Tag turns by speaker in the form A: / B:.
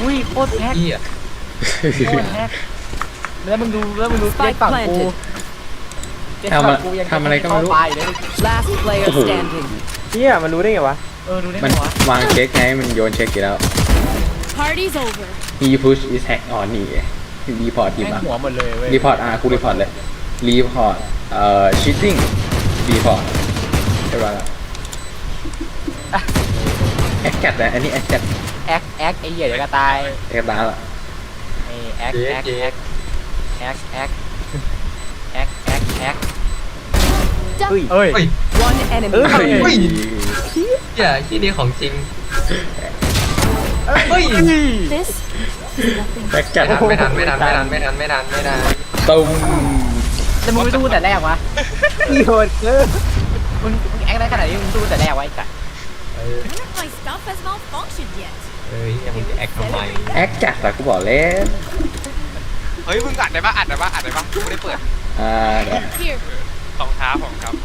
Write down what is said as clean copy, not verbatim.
A: อุ้ยโคตรแฮก
B: เหี้ย
A: โคตรแฮกแล้วมึงดูเจ็ดฝั่งกูเจ็ดฝั่งกูยัง
C: ทำอะไรก็ไม่รู้
A: เข้าไปเลย
D: Last player standing.
E: เฮียมันรู้ได้ไงวะ
A: ดูได้ไหม
C: มัน
A: วะ
C: วางเช็คไงมันโยนเช็คอยู่แล้ว
F: Party's over.
C: he push is hack on นี่รีพอร์ตทีม
A: แม่ง
C: อ่ะ
A: หัวหมดเลยเว้ย
C: รีพอร์ตกูรีพอร์ตเลยรีพอร์ตcheating รีพอร์ตใช่ป่ะแอคแคทนะอันนี้แอคแคท
A: แอคไอ้เหี้ยเดี๋ยวก็ตาย
C: แอคตาละ
A: ไอ้แอค
E: เฮ้ย
A: เอ้ย
B: เฮ้ย
D: One enemy.
E: เอ้ย
C: เฮ้ย
B: เฮ้ย เหี้ยที่นี่ของจริงเฮ้ย
F: This is nothing.
C: แอคแคท
B: ไม่ทันตุ้ม
A: แล้วมึงไม่ดูแต่แรกวะ
E: อีโหดเกิน
A: มึงแอคได้ขนาดนี้มึงดูแต่แรกไว้จ้ะ
F: None of my stuff has malfunctioned yet.
B: เฮ้ยมึงจะแอคทำไม
C: แอคจัดอะกูบอกแล้ว
G: เฮ้ยมึงอัดได้ปะกูไม่ได้เปิด
C: เดี๋ยว
F: Here.
G: ของครับ